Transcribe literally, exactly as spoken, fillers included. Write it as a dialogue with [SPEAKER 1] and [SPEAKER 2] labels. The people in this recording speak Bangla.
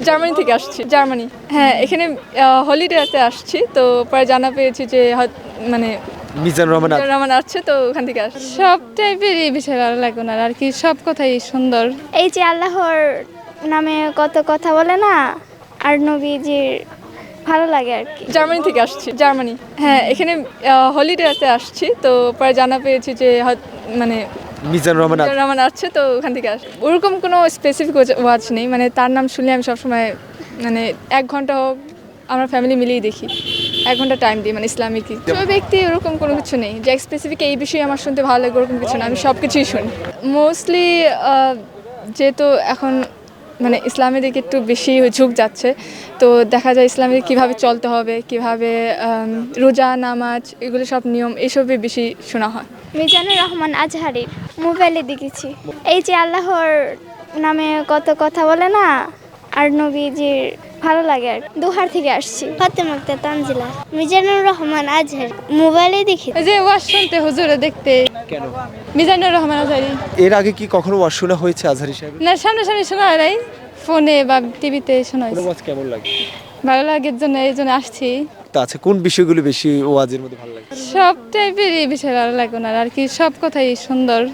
[SPEAKER 1] জার্মানি থেকে আসছি। জার্মানি, হ্যাঁ, এখানে হলিডেতে আসছি, তো পরে জানা পেয়েছি যে হয়ত- মানে
[SPEAKER 2] মিজানুর রহমান
[SPEAKER 1] মিজানুর রহমান আসছে, তো ওখান থেকে আসছি।
[SPEAKER 3] সব টাইপেরই বিষয় ভালো লাগে ওনার, আর কি সব কথাই সুন্দর।
[SPEAKER 4] এই যে আল্লাহর নামে কত কথা বলে না, আর নবীজির ভালো লাগে আর কি।
[SPEAKER 1] জার্মানি থেকে আসছি। জার্মানি, হ্যাঁ, এখানে হলিডেতে আসছি, তো পরে জানা পেয়েছি যে হয়ত- মানে
[SPEAKER 2] মিজানুর রহমান
[SPEAKER 1] মিজানুর রহমান আসছে, তো ওখান থেকে আসছি। ওরকম কোনো স্পেসিফিক ওয়াচ নেই, মানে তার নাম শুনলে আমি সবসময় মানে এক ঘন্টা হোক আমরা ফ্যামিলি মিলিয়ে দেখি, এক ঘন্টা টাইম দিই, মানে ইসলামিক ওই ব্যক্তি ওরকম কোনো কিছু নেই যে স্পেসিফিক এই বিষয়ে আমার শুনতে ভালো লাগে, ওরকম কিছু না, আমি সব কিছুই শুনি মোস্টলি। যেহেতু এখন মানে ইসলামের দিকে একটু বেশি ঝুঁক যাচ্ছে, তো দেখা যায় ইসলামে কীভাবে চলতে হবে, কিভাবে আম, রোজা নামাজ এগুলো সব নিয়ম এসবই বেশি শোনা হয়।
[SPEAKER 4] মিজানুর রহমান আজহারি, মোবাইলে দেখেছি। এই যে আল্লাহর নামে কত কথা বলে না, আর নবীজির ভালো লাগে আর কি। দুহার থেকে আসছি। ফাতেমা আক্তার তানজিলা। মিজানুর রহমান আজহারি, মোবাইলে দেখি।
[SPEAKER 3] এই যে ওয়াজ শুনতে, হুজুরে দেখতে।
[SPEAKER 2] কেন?
[SPEAKER 3] মিজানুর রহমান আজহারি।
[SPEAKER 2] এর আগে কি কখনো ওয়াজ শোনা হয়েছে আজহারি সাহেব?
[SPEAKER 3] না, সামনাসামনি শোনা হয় নাই, ফোনে বা টিভিতে শোনা
[SPEAKER 2] কোনো
[SPEAKER 3] হয়েছে।
[SPEAKER 2] ওয়াজ কেমন লাগে?
[SPEAKER 3] ভালো লাগার জন্য এই জন্য আসছি।
[SPEAKER 2] তা আছে কোন বিষয়গুলো বেশি ওয়াজের মধ্যে ভালো লাগে?
[SPEAKER 3] সব টাইপেরই বিষয় ভালো লাগে ওনার, আর কি সব কথাই সুন্দর।